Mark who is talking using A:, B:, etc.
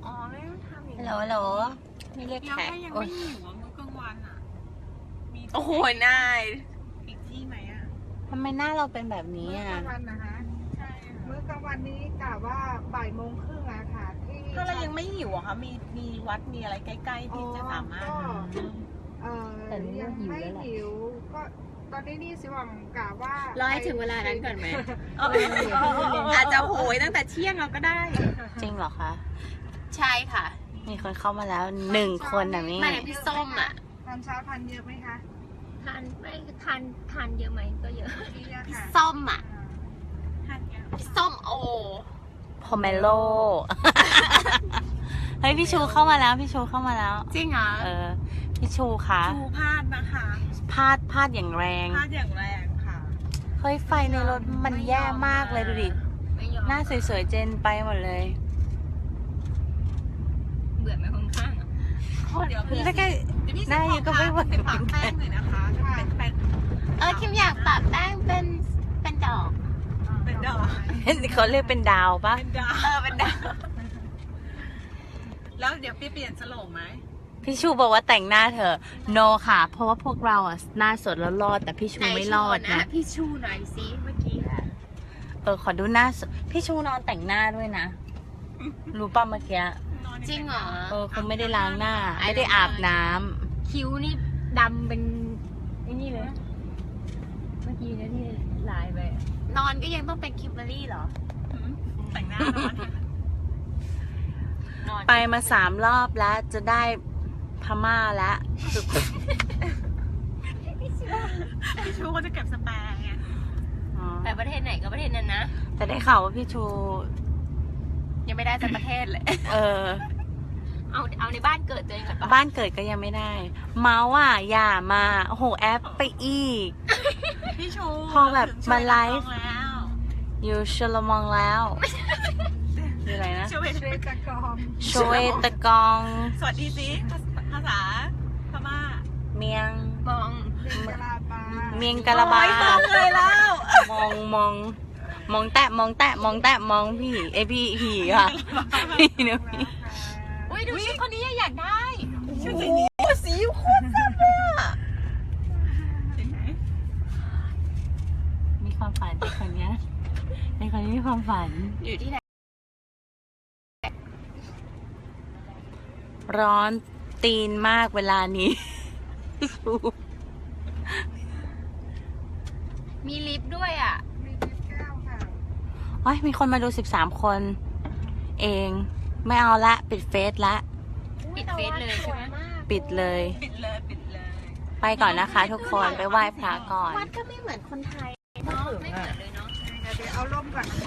A: อ๋อไม่ต้องทำอย่าง
B: ฮัล
A: นี้
B: โหลไม่เรียก
A: ยัง
B: แขก
A: ไม่ยัง
B: โอ๊
A: ไม่
B: ย
A: หิวอ่ะมื้อกลางวันอ่ะมี
C: โอ้โหนาย
A: อีกที่ไหมอ่ะ
B: ทำไมหน้าเราเป็นแบบนี้
D: มื้อ
B: อ่ะ
D: กลางวันนะคะ
A: ใช่
D: มื้อกลางวันนี้กะว่าบ่ายโมงครึ่งอะค่ะที่
A: ถ้าเรายังไม่หิวอะคะมีวัดมีอะไรใกล้ๆที่จะสามารถ
B: แต่นี่
D: ยัง
B: หิว
D: ไม่
B: แล้วแหละ
D: หิวก็ตอนนี้นี่สิหวังกะว่าร
C: อให้ถึงเวลานั้นก่อนไหม
A: อาจจะโหยตั้งแต่เที่ยงเราก็ได้
B: จริงเหรอคะ
C: ใช่ค่ะ
B: มีคนเข้ามาแล้ว1 คนน่ะมี่
C: ไม่พี่ส้มอ่ะ
D: ตอนเช้าทานเยอะไหมคะ
E: ทานไม่ทานเยอะไหมก็เยอะ
D: เยอะค่ะ
C: ส้มอ่ะ
A: ทานยัง
C: พี่ส้มโอ
B: พอเมโล เฮ้ยพี่ชูเข้ามาแล้วพี่ชูเข้ามาแล้ว
C: จริงเหรอ
B: พี่ชูคะ
A: ชูพลาดนะคะ
B: พลาดอย่างแรง
A: พลาดอย่างแรงค่ะ
B: เฮ้ยไฟในรถมันแย่มากเลยดูดิ
E: ไม่ยอม
B: หน้าสวยๆเจนไปหมดเลย
E: เบื่อไหมคนข้างอะ
A: เดี๋ยวพี่
B: แล้วก็
A: เดี๋ยวพี่
B: หน้ายังก็ไม่ไหว
A: ไปฝากแป้งหน่อยนะคะเป็นแป้ง
C: คิมอยากปะแป้งเป็นดอก
A: เป็นดอก
B: เขาเรียกเป็นดาวปะ
A: เป็นดาว
C: เป็นดอก
A: แล้วเดี๋ยวพี่เปลี่ยนสโลงไหม
B: พี่ชูบอกว่าแต่งหน้าเถอะ no ค่ะ เพราะว่าพวกเราอ่ะหน้าสดแล้วรอดแต่พี่ชูไม่รอดนะ
C: พี่ชูหน่อยสิเมื่อกี้อะ
B: ขอดูหน้าสดพี่ชูนอนแต่งหน้าด้วยนะ รู้ป่ะเมื่อกี้
C: จริงเหรอ
B: คงไม่ได้ล้างหน้า ไม่ได้อาบน้ำ
E: คิ้วนี่ดำเป็นไอ้นี่เลยนะเมื่อกี้เนี่ยที่ลายไปอะ
C: นอนก็ยังต้องเป็นคิมเบอรี่เหรอ
A: แต่งหน้านอน
C: นอน
B: ไปมา3 รอบแล้วจะได้พม่าแล้ว
A: พี่ชูเขาจะเก็บสแปร์ไง
B: อ๋อ
E: ไปประเทศไหนก็ประเทศนั้นนะ
B: แต่ได้ข่าวว่าพี่ชู
C: ยังไม่ได้สักประเทศเลย
E: เอาในบ้านเกิดตัวเองก่อนปะ
B: บ้านเกิดก็ยังไม่ได้ เมาส์อ่ะอย่ามาโอ้โหแอปไปอีก
A: พี่ชู
B: พอแบบมาไลฟ์
A: ถึงช่วยนักร้องแล้ว
B: อยู่ชลมองแล้วคืออะไรนะ
A: ช่วย
D: เชตะกอง
B: โชเวตะกอง
A: สวัสดีสิภาษาพม่า
B: เมียง
E: มอง
D: เรียนกะลาปา
B: เมียงกะละบา
A: โอ้ยฟังเลยแล้ว
B: มองแตะมองพี่พี่ค่ะพี่เนอะพี่
C: อุ้ยดูชุดคนนี้อยากได้
A: ชุดสีนี้โอ้สีโคตรแซ่บอะเห็นไหม
B: มีความฝันในคนเนี้ยในคนนี้มีความฝัน
C: อยู่ที่ไหน
B: ร้อนตีนมากเวลานี้
C: มีลิฟต์ด้วยอ่ะ
D: มีลิฟต์แก้วค่ะ
B: โอ้ยมีคนมาดู13 คน เอง ไม่เอาละปิดเฟซละ
C: ปิดเฟซเลยใช่ไหม
B: ปิดเลย
A: ปิดเลย
B: ไปก่อนนะคะทุกคนไปไหว้พระก่อน
C: วัดก็ไม่เหมือนคนไทยเนาะไม่เหมือนเลยเนาะ
D: เดี๋ยวเอาร่มก่อน